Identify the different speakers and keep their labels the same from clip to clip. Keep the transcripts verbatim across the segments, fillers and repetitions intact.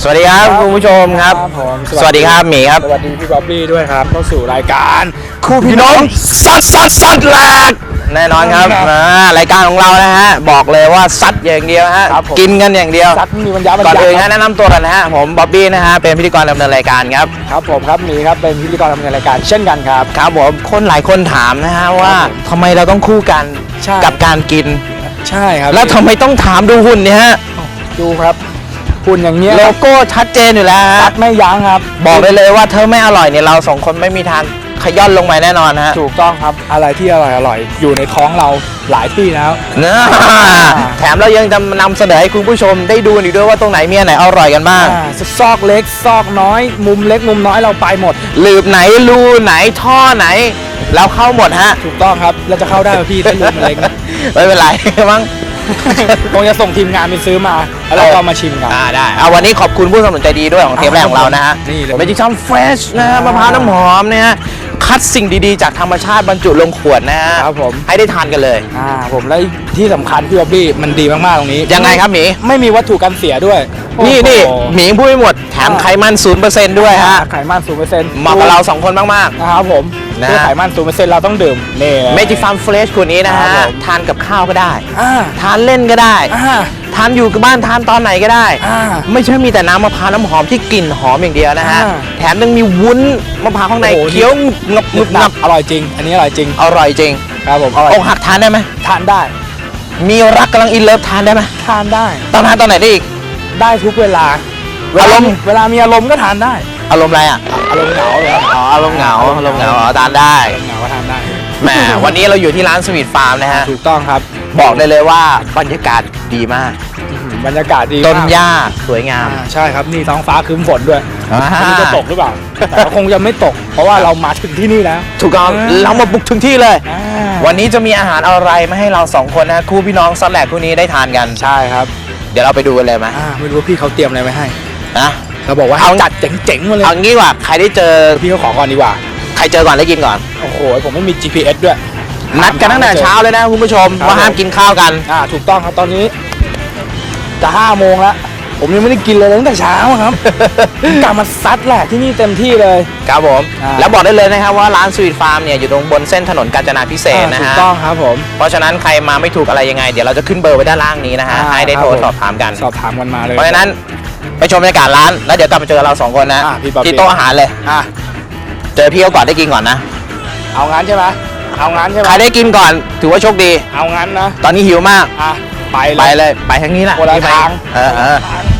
Speaker 1: สวัสดีครับคุณผู้ชมครับสวัสดีครับหมีครับ
Speaker 2: สวัสดีพี่บ๊อบบี้ด้วยครับเข้าสู่รายการ
Speaker 1: คู่พี่น้องซัดซัดซัดแหลกแน่นอนครับรายการของเรานะฮะบอกเลยว่าซัดอย่างเดียวฮะกินกันอย่างเดียว
Speaker 2: ซัดมีบรรยาบรรยา
Speaker 1: ก่อนอื่นแนะนำตัวกันนะฮะผมบ๊อบบี้นะฮะเป็นพิธีกรดำเนินรายการครับ
Speaker 2: ครับผมครับหมีครับเป็นพิธีกรดำเนินรายการเช่นกันครับ
Speaker 1: ครับผมคนหลายคนถามนะฮะว่าทำไมเราต้องคู่กันกับการกิน
Speaker 2: ใช่ครับ
Speaker 1: แล้วทำไมต้องถามดูหุ่นเนี่ยฮะ
Speaker 2: ดูครับหุ่นอย่างเงี้ย
Speaker 1: โลโก้ชัดเจนอยู่แล้ว
Speaker 2: ซัดไม่ยั้งครับ
Speaker 1: บอกได้เลยว่าเธอไม่อร่อยเนี่ยเราสองคนไม่มีทางขย่อนลงไปแน่นอนฮะ
Speaker 2: ถูกต้องครับอะไรที่อร่อยอร่อยอยู่ในท้องเราหลายที่แล้ว
Speaker 1: นะแถมเรายังจะนำเสนอให้คุณผู้ชมได้ดูอีกด้วยว่าตรงไหนมีอันไหนอร่อยกันบ้าง
Speaker 2: ซอกเล็กซอกน้อยมุมเล็กมุมน้อยเราไปหมด
Speaker 1: หลืบไหนรูไหนท่อไหนเราเข้าหมดฮะ
Speaker 2: ถูกต้องครับเราจะเข้าได้พี่ถ้ารูมันเล็ก
Speaker 1: ไม่เป็นไรมั้ง
Speaker 2: คงจะส่งทีมงานไปซื้อมาแล้วเราก็มาชิมกัน
Speaker 1: อ่าได้เอาวันนี้ขอบคุณผู้สนับสนุนใจดีด้วยของเทปแรกของเรานะฮะ
Speaker 2: นี่เลย
Speaker 1: เมจิกซัมเฟรชนะฮะมะพร้าวน้ำหอมเนี่ยคัดสิ่งดีๆจากธรรมชาติบรรจุลงขวดนะฮะ
Speaker 2: ครับผม
Speaker 1: ให้ได้ทานกันเลย
Speaker 2: อ่าผมและที่สำคัญพี่บ๊อบบี้มันดีมากๆตรงนี้
Speaker 1: ยังไงครับหมี
Speaker 2: ไม่มีวัตถุกันเสียด้วย
Speaker 1: นี่นี่หมีพูดไม่หมดแถมไขมันศูนย์เปอร์เซ็นต์ด้วยฮะ
Speaker 2: ไขมันศูนย์เปอร์เซ็นต์
Speaker 1: เหมาะกับเราสองคนมาก
Speaker 2: ๆนะครับผมเพื่อไขมันศูนย์เปอร์เซ็นต์เราต้องดื่มนี่
Speaker 1: เมจิกซัมเฟรชขวดนี้นะฮะทานกับข้าวก็ได้ทานเล่นก็ได้ทานอยู่กับบ้านทานตอนไหนก็ได้ไม่ใช่มีแต่น้ำมะพร้าวน้ำหอมที่กลิ่นหอมอย่างเดียวนะฮะแถมยังมีวุ้นมะพร้าวข้างในเคี้ยวงับงึบงับ
Speaker 2: อร่อยจริงอันนี้อร่อยจริง
Speaker 1: อร่อยจริง
Speaker 2: ครับผมอร่อย
Speaker 1: อกหักทานได้ไหม
Speaker 2: ทานได้
Speaker 1: มีรักกำลังอินเลิฟทานได้ไหม
Speaker 2: ทานได้
Speaker 1: ตอนทานตอนไหนได้อีก
Speaker 2: ได้ทุกเวลา
Speaker 1: อารมณ์
Speaker 2: เวลามีอารมณ์ก็ทานได้
Speaker 1: อารมณ์อะไรอ่ะ
Speaker 2: อารมณ์เหงาเลย
Speaker 1: อ๋ออารมณ์เหงาอารมณ์เหงาทานได้
Speaker 2: เหงาก็ทานได้
Speaker 1: แหมวันนี้เราอยู่ที่ร้านสวีทฟาร์มนะฮะ
Speaker 2: ถูกต้องครับ
Speaker 1: บอกได้เลยว่าบรรยากาศดีมาก
Speaker 2: บรรยากาศดี
Speaker 1: ต้นหญ้าสวยงาม
Speaker 2: ใช่ครับนี่ท้องฟ้าครึ้มฝนด้วยไม่รู้จะตกหรือเปล่าแต่คงจะไม่ตกเพราะว่าเรามาถึงที่นี่แล้ว
Speaker 1: ถูกต้องเรามาบุกถึงที่เลยวันนี้จะมีอาหารอะไรมาให้เราสองคนนะคู่พี่น้องซัดแหลกคู่นี้ได้ทานกัน
Speaker 2: ใช่ครับ
Speaker 1: เดี๋ยวเราไปดูกันเลยไหม
Speaker 2: ไม่รู้ว่าพี่เขาเตรียมอะไรไว้ให้
Speaker 1: นะ
Speaker 2: เราบอกว่าเอาจัดเจ๋งๆมาเลย
Speaker 1: เอางี้ว่าใครได้เจอ
Speaker 2: พี่เขาขอก่อนดีกว่า
Speaker 1: ใครเจอก่อนได้กินก่อน
Speaker 2: โอ้โหผมไม่มี จี พี เอส ด้วย
Speaker 1: นัดกันตั้งแต่เช้าเลยนะคุณผู้ชมว่าห้ามกินข้าวกัน
Speaker 2: อ่าถูกต้องครับตอนนี้จะห้าโมงแล้วผมยังไม่ได้กินเลยตั้งแต่เช้าครับกลับมาซัดแหละที่นี่เต็มที่เลย
Speaker 1: ครับผมแล้วบอกได้เลยนะครับว่าร้านสวีทฟาร์มเนี่ยอยู่ตรงบนเส้นถนนกาญจนาภิเษกนะฮะ
Speaker 2: ถูกต้องครับผม
Speaker 1: เพราะฉะนั้นใครมาไม่ถูกอะไรยังไงเดี๋ยวเราจะขึ้นเบอร์ไว้ด้านล่างนี้นะฮะให้ได้โทรสอบถามกัน
Speaker 2: สอบถามกันมาเลย
Speaker 1: เพราะฉะนั้นไปชมบรรยากาศร้านแล้วเดี๋ยวกลับมาเจอเราสองคนนะที่โต๊ะอาหารเลยเจอพี่เขาก่อนได้กินก่อนนะ
Speaker 2: เอางั้นใช่ไหมเอางั้นใช่ไหม
Speaker 1: ใครได้กินก่อนถือว่าโชคดี
Speaker 2: เอางั้นนะ
Speaker 1: ตอนนี้หิวมาก
Speaker 2: อ่ะไป
Speaker 1: ไปเลยไปทางนี้แหละ
Speaker 2: คนละทาง
Speaker 1: เออเออ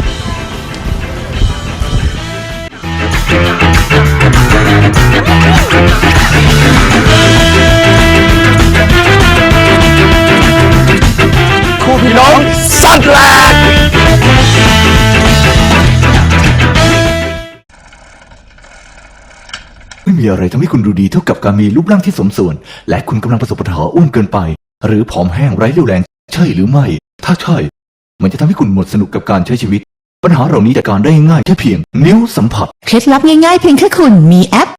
Speaker 1: คู่พี่น้องซัดแหลก
Speaker 3: ไม่มีอะไรทำให้คุณดูดีเท่ากับการมีรูปร่างที่สมส่วนและคุณกำลังประสบปัญหาอ้วนเกินไปหรือผอมแห้งไร้เรี่ยวแรงใช่หรือไม่ถ้าใช่มันจะทำให้คุณหมดสนุกกับการใช้ชีวิตปัญหาเหล่านี้จัดการได้ง่ายแค่เพียงนิ้วสัมผัส
Speaker 4: เคล็ดลับง่ายๆเพียงแค่คุณมีแอป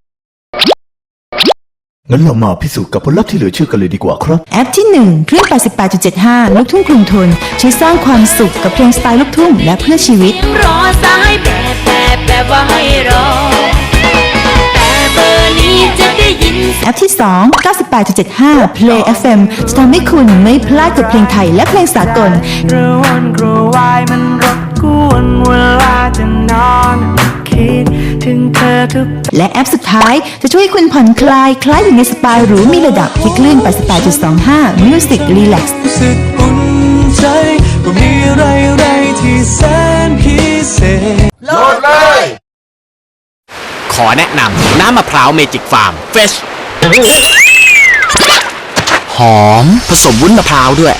Speaker 3: งั้นเรามาพิสูจน์กับผลลัพธ์ที่เหลือเชื่อกันเลยดีกว่าครับ
Speaker 4: แอปที่หนึ่งเครื่อง แปดสิบแปดจุดเจ็ดห้า ลูกทุ่งกรุงทนช่วยสร้างความสุขกับเพลงสไตล์ลูกทุ่งและเพื่อชีวิต
Speaker 5: รอสายแบบแบบแบบว่าให้รอแต่เบอร์นี้จะได้ยิน
Speaker 4: แอปที่สอง เก้าสิบแปดจุดเจ็ดห้า Play เอฟ เอ็ม จะทำให้คุณไม่พลาดกับเพลงไทยและเพลงสากล
Speaker 5: กระวนกระวายมันรบกวนเวลาจะนอนคิดถึงเธอทุก
Speaker 4: และแอปสุดท้ายจะช่วยคุณผ่อนคลายคล้ายอยู่ในสปาหรูมีระดับที่คลื่น แปดสิบแปดจุดสองห้า Music Relax
Speaker 5: รู้สึกอุ่นใจว่ามีอะไรอะไรที่แสนพิเศษโหลดเลย
Speaker 6: ขอแนะนำน้ำมะพร้าวเมจิกฟาร์มเฟชหอมผสมวุ้นมะพร้าวด้วย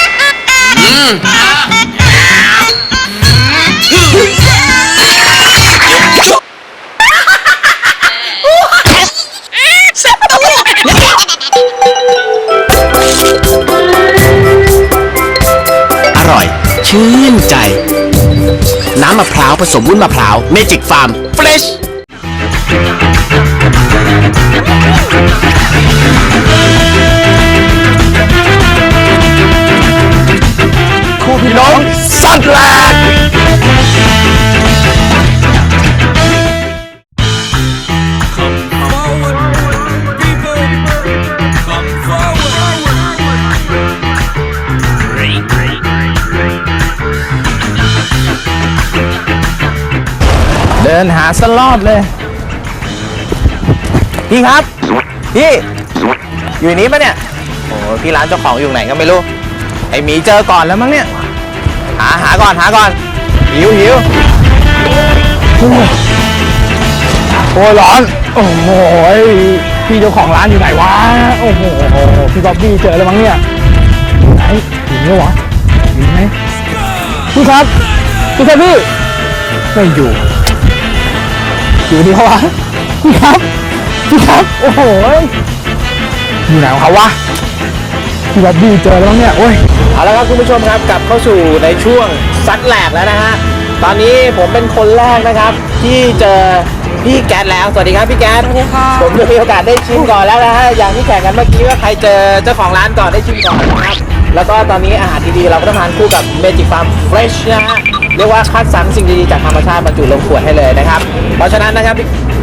Speaker 6: อร่อยชื่นใจน้ำมะพร้าวผสมวุ้นมะพร้าวเมจิกฟาร์มเฟรช
Speaker 1: คู่พี่น้องซัดแหลกดินหาสลอดเลย พี่ครับ พี่อยู่นี้ปะเนี่ยโอ้พี่ร้านเจ้าของอยู่ไหนก็ไม่รู้ไอหมีเจอก่อนแล้วมั้งเนี่ยหาหาก่อนหาก่อนหิวหิว
Speaker 2: โอ้ยร้อน โอ้โหพี่เจ้าของร้านอยู่ไหนวะ โอ้โหพี่บ๊อบบี้เจอแล้วมั้งเนี่ยอยู่ไหนอยู่นี่วะอยู่ไหมพี่ครับพี่ครับพี่ไม่อยู่อยู่นี่เขาวะพี่ครับพี่ครับโอ้โหอยู่ไหนของเขาวะพี่บ๊อบบี้เจอแล้วมั้งเนี่ยโอ้ย
Speaker 1: เอาละครับคุณผู้ชมครับกลับเข้าสู่ในช่วงซัดแหลกแล้วนะฮะตอนนี้ผมเป็นคนแรกนะครับที่เจอพี่แก๊สแล้วสวัสดีครับพี่แก๊ส
Speaker 7: สวัสดีค่ะ
Speaker 1: ผมจะมีโอกาสได้ชิมก่อนแล้วนะฮะอย่างที่แข่งกันเมื่อกี้ว่าใครเจอเจ้าของร้านก่อนได้ชิมก่อนนะครับแล้วก็ตอนนี้อาหารดีๆเราก็ต้องทานคู่กับ Magic Farm Fresh นะฮะเรียกว่าคัดสรรสิ่งดีๆจากธรรมชาติบรรจุลงขวดให้เลยนะครับเพราะฉะนั้นนะครับ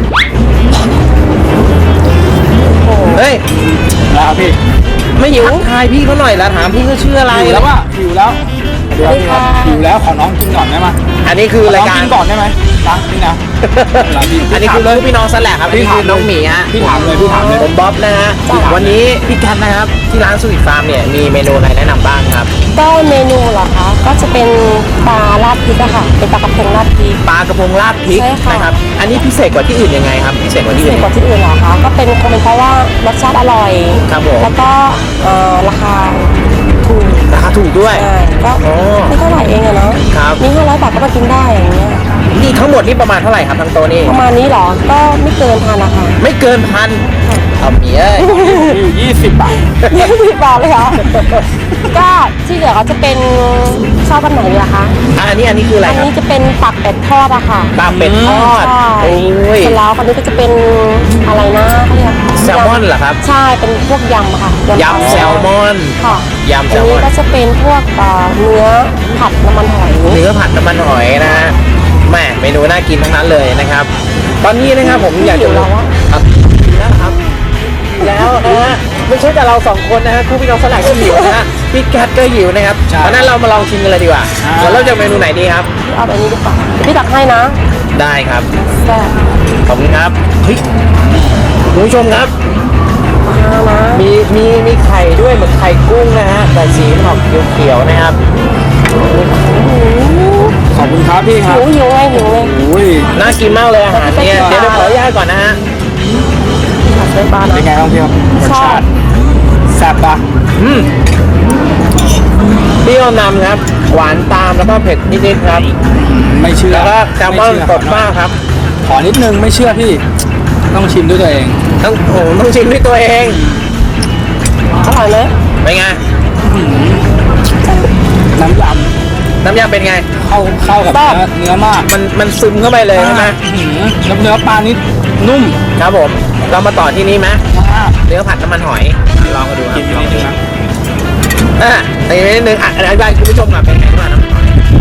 Speaker 1: เฮ้ย
Speaker 2: แล้วพี่
Speaker 1: ไม่หิวทายพี่เขาหน่อยละถามพี่เขาชื่ออะไร
Speaker 2: หิวแล้วอะหิวแล้วเดี๋ยวพี่ครับหิวแล้วขอน้องกินก่อนได้ไหม
Speaker 1: อันนี้คือรายการ
Speaker 2: กินก่อนได้ไหมนะนี่นะ
Speaker 1: อันนี้คือลูกพี่น้องสแลกครับอันนี้คือน้องหมีฮะ
Speaker 2: พี่ถามเลยพี่ถามเลย
Speaker 1: ผมบ๊อบนะฮะวันนี้พี่กันนะครับที่ร้านสวีทฟาร์มเนี่ยมีเมนูอะไรแนะนำบ้างครับ
Speaker 7: ก็เมนูเหรอคะ ก็จะเป็นปลาราดพริกอะค่ะ เป็นปลากระพงราดพริก
Speaker 1: ปลากระพงราดพริก
Speaker 7: ใช่ค่ะ
Speaker 1: นะครับอันนี้พิเศษกว่าที่อื่นยังไงครับพิเศษกว่าที่
Speaker 7: พิ
Speaker 1: อื่
Speaker 7: เศ
Speaker 1: น
Speaker 7: ษกว่าที่อื่นเหรอคะ ก็เป็นคงเป็นเพราะว่ารสชาติอร่อย
Speaker 1: ครับผม
Speaker 7: แล้วก็เอ่อราคาถูก
Speaker 1: ราคาถูกด้วย
Speaker 7: ใช่ก็
Speaker 1: อ๋อ
Speaker 7: ไม่เท่าไหร่เองอะเนาะ
Speaker 1: ครับ
Speaker 7: นี่ห้าร้อยบาทก็มากินได้อย่างเงี้ย
Speaker 1: นี่ทั้งหมดนี่ประมาณเท่าไหร่ครับทั้งโต๊ะนี่
Speaker 7: ประมาณนี้เหรอ ก็ไม่เกินพันนะคะ
Speaker 1: ไม่เกินพันเอาหมีเอ้ย
Speaker 2: อยู่ยี่สิบบาท
Speaker 7: ยี่สิบบาทเลยเหรอ ก็ที่เหลือก็จะเป็นชอบอันไหนดีล่ะคะ
Speaker 1: อ่ะอันนี้อันนี้คืออะไร
Speaker 7: อัน
Speaker 1: ครับ
Speaker 7: นี้จะเป็นปักเป็ดทอดอะค่ะ
Speaker 1: ปลาเป็ดทอด
Speaker 7: ใช่
Speaker 1: โอ้ย
Speaker 7: เสร็จแล้วอันนี้ก็จะเป็นอะไรนะเขาเรียก
Speaker 1: แซลมอนเหรอครับ
Speaker 7: ใช่ เป็นพวกยำอะค่ะ
Speaker 1: ยำแซลมอน
Speaker 7: ค่ะ
Speaker 1: ยำแซ
Speaker 7: อัน
Speaker 1: ลม
Speaker 7: นี้
Speaker 1: อน
Speaker 7: ก็จะเป็นพวกเอ่อเนื้อผัดน้ำมันหอย
Speaker 1: เนื้อผัดน้ำมันหอยนะฮะแหม่เมนูน่ากินทั้งนั้นเลยนะครับ ตอนนี้นะครับผมอยากจะ
Speaker 7: หิวแล้วอะ
Speaker 1: ครับหิวแล้วครับหิวแล้วนะฮะไม่ใช่แต่เราสองคนนะฮะคู่พี่น้องสลักก็หิวนะฮะพี่แก๊สก็หิวนะครับเพราะฉะนั้นเรามาลองชิมกันเลยดีกว่าเราเริ่มจากเมนูไหนดีครับ
Speaker 7: เอาแบบนี้ดีกว่าเดี๋ยวพี่ตักให้นะ
Speaker 1: ได้ครับ
Speaker 7: แซ่บ
Speaker 1: ขอบคุณครับเฮ้ยคุณผู้ชมครับ
Speaker 7: เอานะ
Speaker 1: มีมีมีไข่ด้วยเหมือนไข่กุ้งนะฮะแต่สีมันออกเขียวๆนะครับ
Speaker 2: ขอบคุณครับพี่ครั
Speaker 7: หิ
Speaker 2: บ
Speaker 7: วหิวไงหิวไง
Speaker 2: อุ้ย
Speaker 1: น่ากินมากเลยอาหารเนี่ยเดี๋ยวเราขออนุญาตก่อนนะฮะ
Speaker 7: ผัดไฟปลา
Speaker 2: เป็น
Speaker 7: นะ
Speaker 2: ไงบ้างพี่ครับรส
Speaker 7: ชอ
Speaker 2: ชา
Speaker 7: บ
Speaker 2: ติแซ่บปะ
Speaker 1: อืมเปรี้ยวนำครับ หวานตามแล้วก็เผ็ดนิดๆครับ
Speaker 2: ไม่เชื่อ
Speaker 1: แล้วก็แซลมอน
Speaker 2: ไเชื่
Speaker 1: สดมากครับ
Speaker 2: ขอนิดนึงไม่เชื่อพี่ ต้องชิมด้วยตัวเอง
Speaker 1: ต้องโอ้โหต้องชิมด้วยตัวเอง
Speaker 7: อร่อยไหม
Speaker 1: เป็นไง
Speaker 2: น้ำย
Speaker 1: น้ำยำเป็นไง
Speaker 2: ำเข้าเข้ากับเนื้อเนื้อมาก
Speaker 1: มันมันซึมเข้าไปเลยใช่ไหม
Speaker 2: อื้อหือแล้วเนื้อปลานี่นุ่ม
Speaker 1: ครับผม เรามาต่อที่นี่ไหม
Speaker 2: มาก
Speaker 1: เนื้อผัดน้ำมันหอย ลองกันดูครับ
Speaker 2: กินไป
Speaker 1: ลอง
Speaker 2: นิด
Speaker 1: ดู
Speaker 2: นึงนะ
Speaker 1: อ่ะในนิดนึงอ่ะอธิบายคุณผู้ชมก่อนเป็นไงบ้างน้ำมันหอย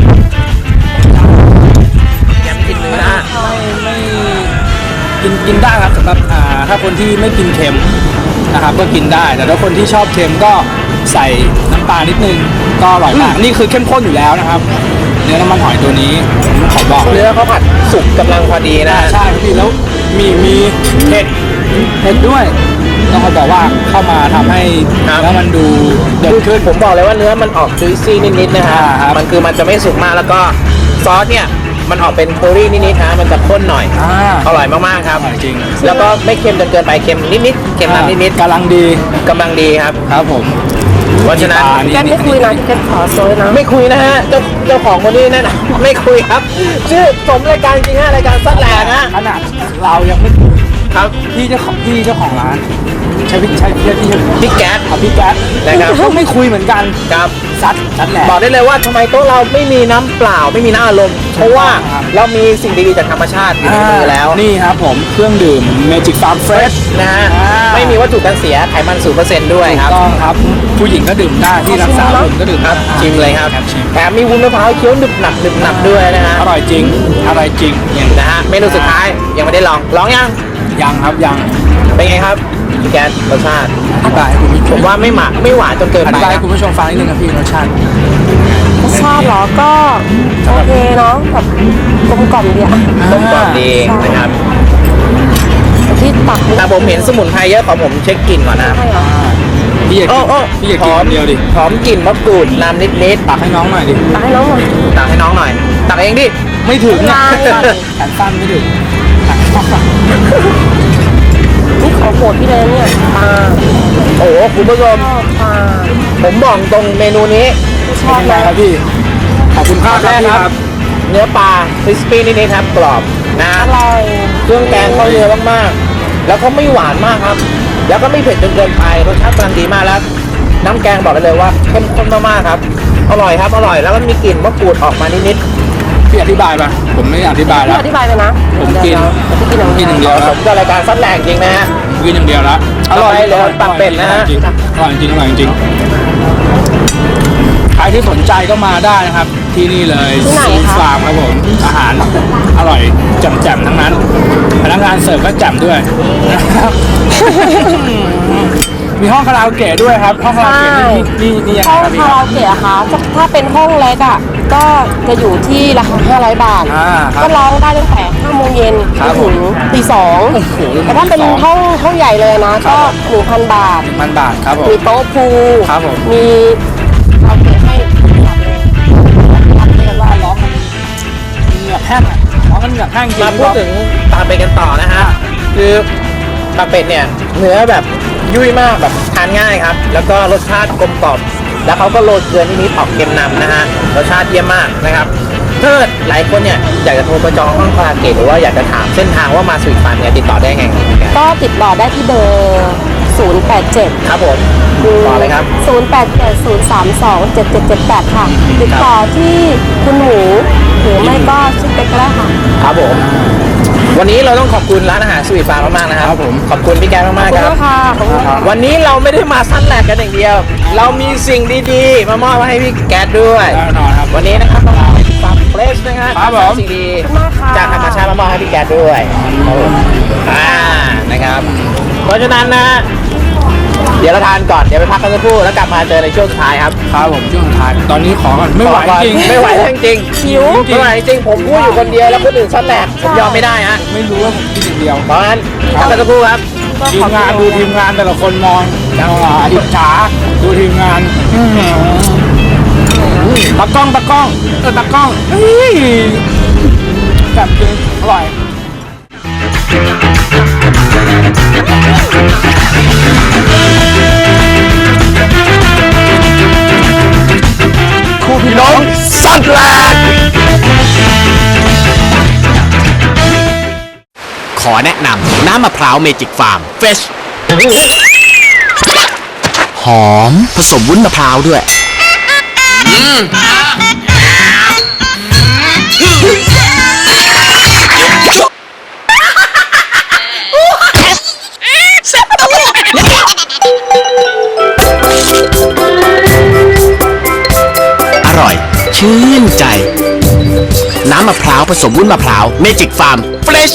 Speaker 1: ยำกินเนื้อ
Speaker 2: ไม่ไม่กินกินได้ครับสำหรับอ่าถ้าคนที่ไม่กินเค็มนะครับก็กินได้ แต่ถ้าคนที่ชอบเค็มก็ใส่น้ำปลานิดนึงก็อร่อยมากนี่คือเข้มข้นอยู่แล้วนะครับ เนื้อน้ำมันหอยตัวนี้ผมขอบอก
Speaker 1: เนื้อเขาผัดสุกกำลังพอดีนะ
Speaker 2: อ่าใช่ครับพี่แล้วมีมีเผ็ดเผ็ดด้วยต้องขอบอกว่าเข้ามาทำให้แล้วมันดูเด่นขึ้น
Speaker 1: ผมบอกเลยว่าเนื้อมันออกจุยซี่นิดๆนะฮะ
Speaker 2: อ่าครับ
Speaker 1: มันคือมันจะไม่สุกมากแล้วก็ซอสเนี่ยมันออกเป็นเคอรี่นิดๆฮะมันจะข้นหน่อย
Speaker 2: อ่า
Speaker 1: อร่อยมากๆครับ
Speaker 2: อร่อยจริง
Speaker 1: แล้วก็ไม่เค็มจนเกินไปเค็มนิดๆเค็มน้ำนิด
Speaker 2: กำลังดี
Speaker 1: ๆกำลังดีครับ
Speaker 2: ครับผม
Speaker 1: เพราะฉะนั้น
Speaker 2: ปลา
Speaker 7: แกไม่คุยนะแกขอโซยนะ
Speaker 1: ไม่คุยนะฮะเจ้าเจ้าของคนนี้นั่นนะ ไม่คุยครับ ชื่อสมรายการจริงฮะรายการซัดแหลกฮะ
Speaker 2: ขนาดเรายังไม่
Speaker 1: ครับ
Speaker 2: พี่เจ้าของพี่เจ้าของร้านใช้พี่ใช้พี่พี่
Speaker 1: พี่แก๊ส
Speaker 2: ครับพี่แก๊ส
Speaker 1: นะครับ
Speaker 2: ก็ไม่คุยเหมือนกัน
Speaker 1: ครับ
Speaker 2: ซัดซัดแหละ
Speaker 1: บอกได้เลยว่าทำไมโต๊ะเราไม่มีน้ำเปล่าไม่มีน้ำอารมณ์เพราะว่า
Speaker 2: ครับ
Speaker 1: เรามีสิ่งดีๆจากธรรมชาติอยู่ในมือแล้ว
Speaker 2: นี่ครับผมเครื่องดื่ม Magic Farm Fresh
Speaker 1: นะฮะ
Speaker 2: อ่า
Speaker 1: ไม่มีวัตถุกันเสียไขมันศูนย์เปอร์เซ็นต์ด้วยครับ
Speaker 2: ต้องครับ ผู้หญิงก็ดื่มได้ที่รักษาผมก็ดื่ม
Speaker 1: ครับ
Speaker 2: ได้
Speaker 1: ชิมเลยครับ
Speaker 2: ชิม
Speaker 1: แถมมีวุ้นมะพร้าวเคี้ยวหนึบหนับหนึบหนับด้วยนะฮะ
Speaker 2: อร่อยจริงอร่อยจริง
Speaker 1: นะฮะเมนูสุดท้ายยังไม่ได้ลองลองยัง
Speaker 2: ยังครับยัง
Speaker 1: เป็นไงครับพี่แก๊สรสชาติ
Speaker 2: อธิบายให้คุณผู้ช
Speaker 1: ผม มว่าไม่หมักไม่หวานจนเกิน
Speaker 2: อ
Speaker 1: ไป
Speaker 2: ธิบายให้
Speaker 1: นะ
Speaker 2: คุณผู้ชมฟังนิดนึงครับพี่รสชาติ
Speaker 7: รสชาติเหรอก็โอเคเนาะแบบกลมกล่อมดีอะ
Speaker 1: กลมกล่อมดีนะครับ
Speaker 7: แต่ที่ตักนี่
Speaker 1: แต่ผมเห็นสมุนไพรเยอะขอผมเช็คกลิ่นก่อนนะครับ
Speaker 7: ใช่เหรอ
Speaker 2: พี่อยาก
Speaker 1: โอ้โอ้
Speaker 2: พี่อยากกินคนเดียวดิ
Speaker 1: หอมกลิ่นมะกรูดน้ำนิด
Speaker 2: ตักให้น้องหน่อยดิ
Speaker 7: ตักให้น้องหน่อย
Speaker 1: ๆตักให้น้องหน่อย ตักเองดิ
Speaker 2: ไม่ถึงนะ
Speaker 7: ไม่ได้
Speaker 2: แขนสั้นไม่ถึง
Speaker 7: นี่ของโปรดพี่เลยนะเนี่ยปลา
Speaker 1: โอ้โหคุณผู้ชม
Speaker 7: ชอบปลา
Speaker 1: ผมบอกตรงเมนูนี้
Speaker 7: ชอบ
Speaker 2: เป็นไง
Speaker 7: นะครับ
Speaker 2: พี่ขอบคุณครับ
Speaker 1: แรก
Speaker 2: พี่
Speaker 1: ค
Speaker 2: ค
Speaker 1: รั
Speaker 2: รับ บ
Speaker 1: เนื้อปลาคริสปี้นิดๆครับกรอบนะ
Speaker 7: อร่อย
Speaker 1: เครื่องแกงเข้าเนื้อมากๆแล้วก็ไม่หวานมากครับ แล้วก็ไม่เผ็ดจนเกินไปรสชาติกำลังดีมากแล้ว น้ำแกงบอกได้เลยว่าเข้มข้นมากๆครับอร่อยครับอร่อยแล้วก็มีกลิ่นมะกรูดออกมานิด
Speaker 2: พี่อธิบายป่ะผมไม่อธิบาย
Speaker 7: พี่
Speaker 2: แล้ว
Speaker 7: อธิบายไปนะ
Speaker 2: ผมกิน
Speaker 7: เดี๋ยวๆเดี๋ยวพี่กินอย่าง
Speaker 2: กินอย่างเดี
Speaker 1: ๆ
Speaker 2: ยว
Speaker 1: ผ
Speaker 2: ครับ
Speaker 1: มก็รายการซัดแหลกจริงนะฮะ
Speaker 2: กินอย่างเดียวแล้ว
Speaker 1: อร่อยเลยปักเป็ดนะฮะ
Speaker 2: อร่อยจริงอร่อยจริงใครที่สนใจก็มาได้นะครับ ที่นี่เลย
Speaker 7: ที่ไหน
Speaker 2: ซู
Speaker 7: คะ
Speaker 2: ฟาร์มครับผมอาหารอร่อยแจ่มๆทั้งนั้นพนักงานเสิร์ฟก็แจ่มด้วยนะครับ มีห้องคาราโอเกะด้วยครับ ห้องคาราโอเกะนี่นี่นี่ยังไง
Speaker 7: ห้อง
Speaker 2: ครับพี่
Speaker 7: คา
Speaker 2: ค
Speaker 7: รา
Speaker 2: รับ
Speaker 7: โอเกะอะคะจะถ้าเป็นห้องเล็กอะก็จะอยู่ที่ราคาห้าร้อยบาท
Speaker 2: อ่าครับ
Speaker 7: ก็ร้องได้ตั้งแต่ห้าโมงเย็น
Speaker 2: ครับ
Speaker 7: ถึงตีสอง
Speaker 2: โอ้โห
Speaker 7: แต่ถ้าเป็น
Speaker 2: ตีสอง
Speaker 7: ห้องห้องใหญ่เลยนะ ก็หนึ่งพันบาท
Speaker 2: มันบาทครับผม
Speaker 7: มีโต๊ะพูล
Speaker 2: ครับผม
Speaker 7: มีคาราโอเกะให้หลับเลยหลับเลยว่าร้อง
Speaker 2: เหงือกแห้งอะร้องกันเหงือกแห้งจริง
Speaker 1: มาพูดถึงปลาเป็ดกันต่อนะฮะคือปลาเป็ดเนี่ยเนื้อแบบยุ่ยมากแบบทานง่ายครับ แล้วก็รสชาติกลมกล่อมแล้วเขาก็โรยเกลือนิดๆออกเค็มนำนะฮะรสชาติเยี่ยมมากนะครับถ้าหลายคนเนี่ยอยากจะโทรไปจองห้องคาราโอเกะหรือว่าอยากจะถามเส้นทางว่ามาสวีทฟาร์มเนี่ยติดต่อได้ไง
Speaker 7: ก็ติดต่อได้ที่เบอร์ศูนย์ แปด เจ็ด
Speaker 1: ครับผมต่อเลยครับ
Speaker 7: ศูนย์ แปด เจ็ด ศูนย์ สาม สอง เจ็ด เจ็ด เจ็ด แปด ค่ะ ติดต่อที่คุณหมูหรือไม่ก็ชื่อเป็กก็ได้ค่ะ
Speaker 1: ครับผม วันนี้เราต้องขอบคุณร้านอาหารสวีทฟาร์มมากๆนะครับ
Speaker 2: ครับผม
Speaker 1: ขอบคุณพี่แก๊สมาก
Speaker 7: ขอบ
Speaker 1: ๆ
Speaker 7: คุ
Speaker 1: ครับ
Speaker 7: ณมากค่ะขอบคุณค่ะ
Speaker 1: วันนี้เราไม่ได้มาสั้นแหลกกันอย่างเดียว เรามีสิ่งดีๆ มามอบให้พี่แก๊สด้วย
Speaker 2: แน่นอนครับ
Speaker 1: วันนี้นะครับเราเอาฟาร์มเฟรชนะครับ
Speaker 2: ครับผม
Speaker 1: สิ่งดี
Speaker 7: ขอบคุณมากค่ะ
Speaker 1: จากธรรมชาติมามอบให้พี่แก๊สด้วยครับผมอ่านะครับ เพราะฉะนั้นนะ เดี๋ยวเราทานก่อน เดี๋ยวไปพักกันสักครู่แล้วกลับมาเจอในช่วงสุดท้ายครับ
Speaker 2: ครับผมช่วงสุดท้ายตอนนี้ขอก่อนไม่ไหวจริง
Speaker 1: ไม่ไหวแล้วจริง
Speaker 7: หิว
Speaker 1: ๆไม่ไหวจริงๆผมพูดอยู่คนเดียวแล้วคนอื่นสั้นแหลกผมยอมไม่ได้ฮะ
Speaker 2: ไม่รู้ว่าผมกินอย่างเดียว
Speaker 1: เพราะฉะนั้นพักกันสักครู่ครับ
Speaker 2: ทีมงานดูทีมงานแต่ละคนมองอ่าอิจฉาดูทีมงานอื้อหือตากล้องตากล้องเออตากล้องเฮ้ยแบบจริงอร่อย
Speaker 1: คู่พี่น้องสั้นแหลก
Speaker 6: ขอแนะนำน้ำมะพร้าวเมจิกฟาร์มเฟชหอมผสมวุ้นมะพร้าวด้วย อร่อย ชื่นใจ น้ำมะพร้าวผสมวุ้นมะพร้าวเมจิกฟาร์มเฟรช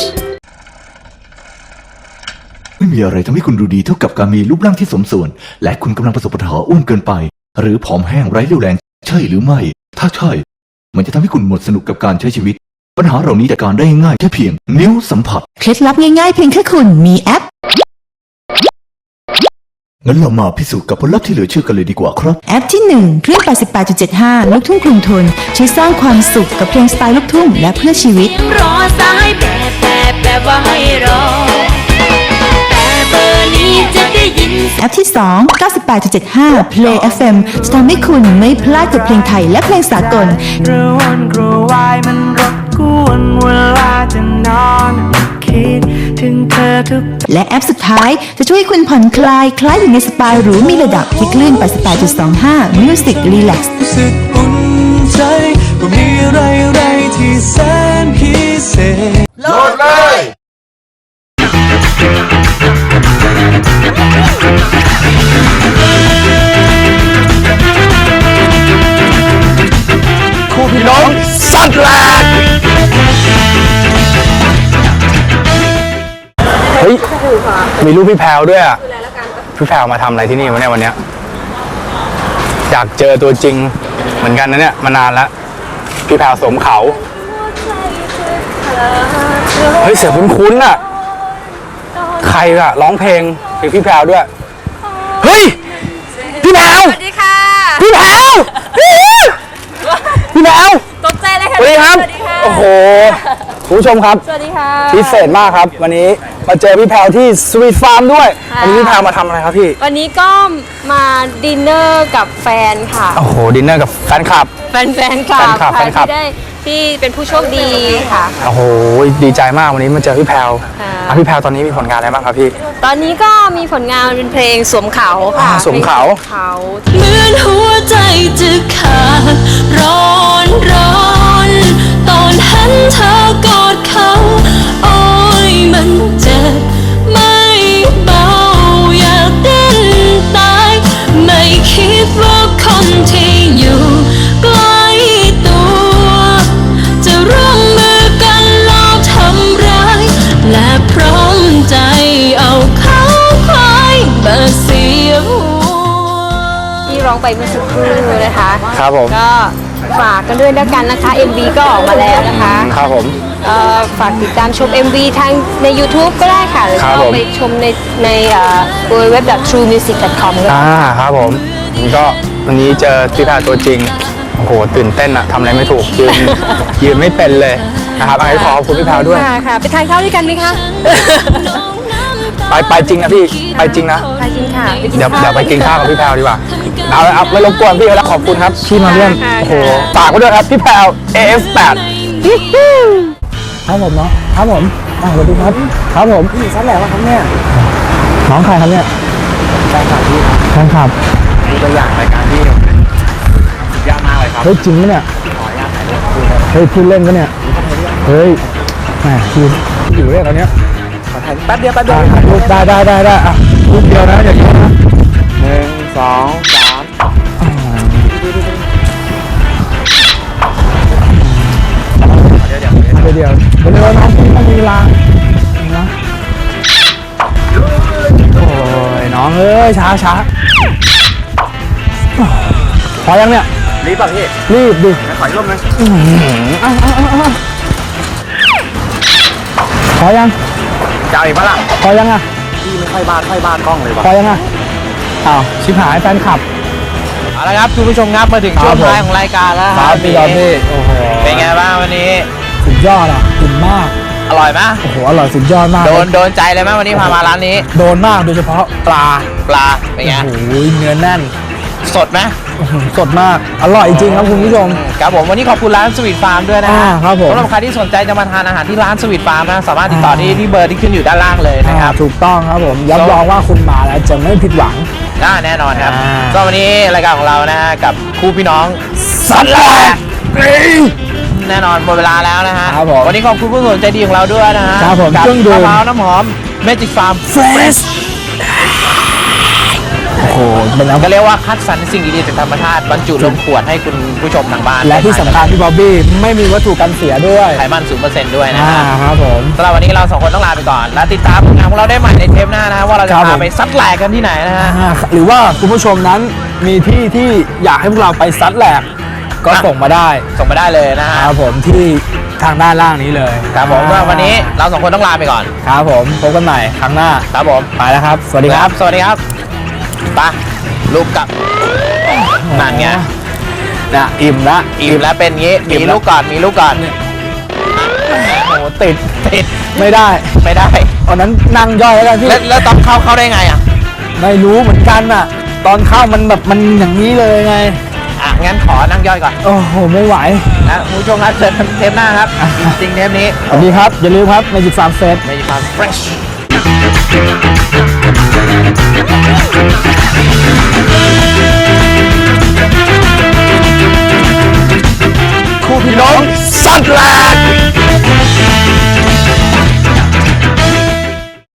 Speaker 3: ไม่มีอะไรทำให้คุณดูดีเท่ากับการมีรูปร่างที่สมส่วน และคุณกำลังประสบปัญหาอ้วนเกินไป หรือผอมแห้งไร้เรี่ยวแรง ใช่หรือไม่ ถ้าใช่ มันจะทำให้คุณหมดสนุกกับการใช้ชีวิต ปัญหาเหล่านี้จัดการได้ง่ายแค่เพียงนิ้วสัมผัส
Speaker 4: เคล็ดลับง่ายๆเพียงแค่คุณมีแอป
Speaker 3: งั้นเรามาพิสูจน์กับผลลัพธ์ที่เหลือเชื่อกันเลยดีกว่าครับ
Speaker 4: แอปที่หนึ่งคลื่น แปดสิบแปดจุดเจ็ดห้า ลูกทุ่งกรุงทนช่วยสร้างความสุขกับเพลงสไตล์ลูกทุ่งและเพื่อชีวิต
Speaker 8: รอสายแบบแบบแบบว่าให้รอ แต่เบอร์นี้จะได้ยิน
Speaker 4: แอปที่สอง เก้าสิบแปดจุดเจ็ดห้า Play เอฟ เอ็ม จะทำให้คุณไม่พลาดกับเพลงไทยและเพลงสากล
Speaker 5: กระวนกระวายมันรบกวนเวลาจะนอนคิดถึงเธอทุก
Speaker 4: และแอปสุดท้ายจะช่วยให้คุณผ่อนคลาย คล้ายอยู่ในสปาหรูมีระดับที่คลื่น แปดสิบแปดจุดสองห้า Music Relax
Speaker 5: รู้สึกอุ่นใจว่ามีอะไรอะไรที่แสนพิเศษ
Speaker 1: คู่พี่น้องสั้นแหลก
Speaker 2: เฮ้ยมีรูปพี่แพรวด้วยอ่ะพี่แพรวมาทำอะไรที่นี่วะเนี่ยวันเนี้ยอยากเจอตัวจริงเหมือนกันนะเนี่ยมานานแล้วพี่แพรวสวมเขาเฮ้ยเสียงคุ้นๆอ่ะใครอะร้องเพลงเพลงพี่แพรวด้วยเฮ้ยพี่แพรว
Speaker 7: สวัสดีค่ะ
Speaker 2: พี่แพรวพี่แพรว
Speaker 7: ตกใจเลยค่ะ
Speaker 2: สวัสดีครับ
Speaker 7: สวัสดีค่ะ
Speaker 2: โอ้โหคุณผู้ชมครับ
Speaker 7: สวัสดีค่ะ
Speaker 2: พิเศษมากครับวันนี้มาเจอพี่แพรวที่สวีทฟาร์มด้วย
Speaker 7: ค่ะ
Speaker 2: วันนี้พี่แพรวมาทำอะไรครับพี่
Speaker 7: วันนี้ก็มาดินเนอร์กับแฟนค่ะ
Speaker 2: โอ้โหดินเนอร์กับแฟนคลับ
Speaker 7: แฟนแฟนคลับ
Speaker 2: แฟนคลับ
Speaker 7: ค่ะ
Speaker 2: แฟนคลับ
Speaker 7: ที่ได้ที่เป็นผู้โชคดีค่ะ
Speaker 2: โอ้โหดีใจมากวันนี้มาเจอพี่แพรว
Speaker 7: ค่ะ
Speaker 2: อ่ะพี่แพรวตอนนี้มีผลงานอะไรบ้างครับพี่
Speaker 7: ตอนนี้ก็มีผลงานเป็นเพลงสวมเขาค่ะ
Speaker 2: อ่าสวมเขา
Speaker 7: พลงสวมเขา
Speaker 8: เหมือนหัวใจจะขาดร้อนร้อนตอนเห็นเธอกอดเขา โอ้ยมันเจ็บไม่เบาอยากดิ้นตาย ไม่คิดว่าคนที่อยู่ใกล้ตัว จะร่วมมือกันลอบทำร้าย และพร้อมใจเอาเขาควายมาเสียหัว
Speaker 7: ที่ร้องไปเมื่อสักครู่นะคะ
Speaker 2: ครับผม
Speaker 7: ก็ฝากกันด้วยแล้วกันนะคะ เอ็ม วี ก็ออกมาแล้วนะคะ
Speaker 2: ครับผม
Speaker 7: เอ่อฝากติดตามชม เอ็ม วี ทางใน YouTube ก็ได้ค่ะหรือ
Speaker 2: ครับ
Speaker 7: ก็
Speaker 2: ผม
Speaker 7: ไปชมในในเอ่อ ดับเบิลยู ดับเบิลยู ดับเบิลยู ดอท ทรูมิวสิก ดอท คอม ก็ได้
Speaker 2: อ่าครับผมผมก็วันนี้เจอพี่แพรวตัวจริงโอ้โหตื่นเต้นอะทำอะไรไม่ถูกยืน ยืนไม่เป็นเลยนะครับอันนี้ขอขอบคุณพี่แพรวด้วย
Speaker 7: ค่ะค่ะไปทานข้าวด้วยกันไหมคะ
Speaker 2: ไปไปจริงนะพี่ไปจริงนะ
Speaker 7: ไปกินค่ะไปกิน
Speaker 2: เดี๋ยว
Speaker 7: ข้าว
Speaker 2: เดี๋ยวไปกินข้าวกับพี่แพรวดีกว่าเอาละครับไม่รบกวนพี่แล้วขอบคุณครับที่มาเยี่ยม
Speaker 7: ค่ะ
Speaker 2: โอ้โห
Speaker 7: ค่ะ
Speaker 2: ฝากไว้ด้วยครับพี่แพรว เอ เอฟ แปด ครับผมเนาะครับผมอ่าสวัสดีครับครับผมพี่ชั้นแหลวครับเนี่ยน้องใครครับเนี่ยแฟนคลับพี่แฟนคลับดูตัวอย่างรายการที่สุดยอดมากเลยครับเฮ้ยจริงไหมเนี่ยเฮ้ยพูดเล่นกันเนี่ยเฮ้ยแหมพี่อยู่เรื่องตอนเนี้ยแป๊บเดียวแป๊บเดียวรูปได้ได้ได้ได้อ่ะรูปเดียวนะอย่าเยอะนะหนึ่งสองสามเดี๋ยวเดี๋ยวเดี๋ยวเดี๋ยวเดี๋ยวน้องพี่ต้องมีเวลานะโอ้ยน้องเอ้ยช้าช้าพอยังเนี่ยรีบป่ะพี่รีบดิถอยร่มเลยพอยังจะเอาอีกปะล่ะพอยังอ่ะพี่ไม่ค่อยบ้านค่อยบ้านกล้องเลยว่ะพอยังอ่ะอ้าวชิบหายแฟนคลับ
Speaker 1: เอาละครับคุณผู้ชมครับมาถึงช่วงท้ายของรายการแล้ว
Speaker 2: ครับพี่ยอดพี่โอ้โห
Speaker 1: เป็นไงบ้างวันนี้
Speaker 2: สุดยอดอ่ะอิ่มมาก
Speaker 1: อร่อยไหม
Speaker 2: โอ้โหอร่อยสุดยอดมาก
Speaker 1: โดนโดนใจเลยไหมวันนี้พามาร้านนี้
Speaker 2: โดนมากโดยเฉพาะปลา
Speaker 1: ปลาเป็นไง
Speaker 2: โอ้โหเนื้อแน่น
Speaker 1: สดไหม
Speaker 2: อื้อหือสดมากอร่อยจริงครับคุณผู้ชม
Speaker 1: ครับผมวันนี้ขอบคุณร้านสวีทฟาร์มด้วยนะ
Speaker 2: อ่าครับผม
Speaker 1: สำหรับใครที่สนใจจะมาทานอาหารที่ร้านสวีทฟาร์มนะสามารถติดต่อที่ที่เบอร์ที่ขึ้นอยู่ด้านล่างเลยนะครับ
Speaker 2: อ่าถูกต้องครับผมรับรองว่าคุณมาแล้วจะไม่ผิดหวัง
Speaker 1: น่าแน่นอนครับ
Speaker 2: อ่า
Speaker 1: ก็วันนี้รายการของเรานะฮะกับคู่พี่น้อง
Speaker 2: สัตว์แหลก
Speaker 1: แน่นอนหมดเวลาแล้วนะฮะ
Speaker 2: ครับผม
Speaker 1: วันนี้ขอบคุณผู้สนใจดีของเราด้วยนะฮะ
Speaker 2: ครับผม
Speaker 1: กับ
Speaker 2: เครื่องดื่ม
Speaker 1: มะพร้าวน้ำหอมเมจิกฟาร์ม
Speaker 2: เฟรชโอ้โหเป็นแล้ว
Speaker 1: ก็เรียกว่าคัดสรรสิ่งดีๆจากธรรมชาติบรรจุลงขวดให้คุณผู้ชมทางบ้าน
Speaker 2: และที่สำคัญพี่บ๊อบบี้ไม่มีวัตถุกันเสียด้วย
Speaker 1: ไขมันศูนย์เปอร์เซ็นต์ด้วยนะ
Speaker 2: อ่า
Speaker 1: ฮะ
Speaker 2: ครับผม
Speaker 1: สำหรับวันนี้เราสองคนต้องลาไปก่อน และติดตามผลงานของเราได้ใหม่ในเทปหน้านะฮะว่าเราจะ
Speaker 2: ครับผ
Speaker 1: พาม ไปซัดแหลกกันที่ไหนนะฮะ
Speaker 2: อ่าหรือว่าคุณผู้ชมนั้นมีที่ที่อยากให้พวกเราไปซัดแหลกก็
Speaker 1: อ่ะ
Speaker 2: ส่งมาได้
Speaker 1: ส่งมาได้เลยนะฮะ
Speaker 2: ครับผมที่ทางด้านล่างนี้เลย
Speaker 1: ครับผมสำหรับวันนี้เราสองคนต้องลาไปก่อน
Speaker 2: ครับผมพบกันใหม่ครั้งหน้า
Speaker 1: ครับผม
Speaker 2: ไปแล้วครับ สวัสดีครับ
Speaker 1: สวัสดีครับไปลูกกลับนั่นไง
Speaker 2: นะอิ่มละ
Speaker 1: อิ่มแล้วเป็นงี้
Speaker 2: อิ่
Speaker 1: มี
Speaker 2: มแล้ว
Speaker 1: ลูกก่อนมีลูกก่อน
Speaker 2: โอ้โหติด
Speaker 1: ติด
Speaker 2: ไม่ได้
Speaker 1: ไม่ได้
Speaker 2: ตอนนั้นนั่งย่อยแล้วกันพี่
Speaker 1: แล้วแล้วตอนเข้าเข้าได้ไงอ่ะ
Speaker 2: ไม่รู้เหมือนกันน่ะ ตอนเข้ามันแบบมันอย่างนี้เลยไง
Speaker 1: อ่ะงั้นขอนั่งย่อยก่อน
Speaker 2: โอ้โหไม่ไหว
Speaker 1: นะคุณผู้ชมครับเจอกันเทปหน้าครับจริงๆเทปนี้
Speaker 2: สวัสดีครับ อย่าลืมครับในจิตฟาร์มเฟส
Speaker 1: เมจิกฟาร์มเฟรช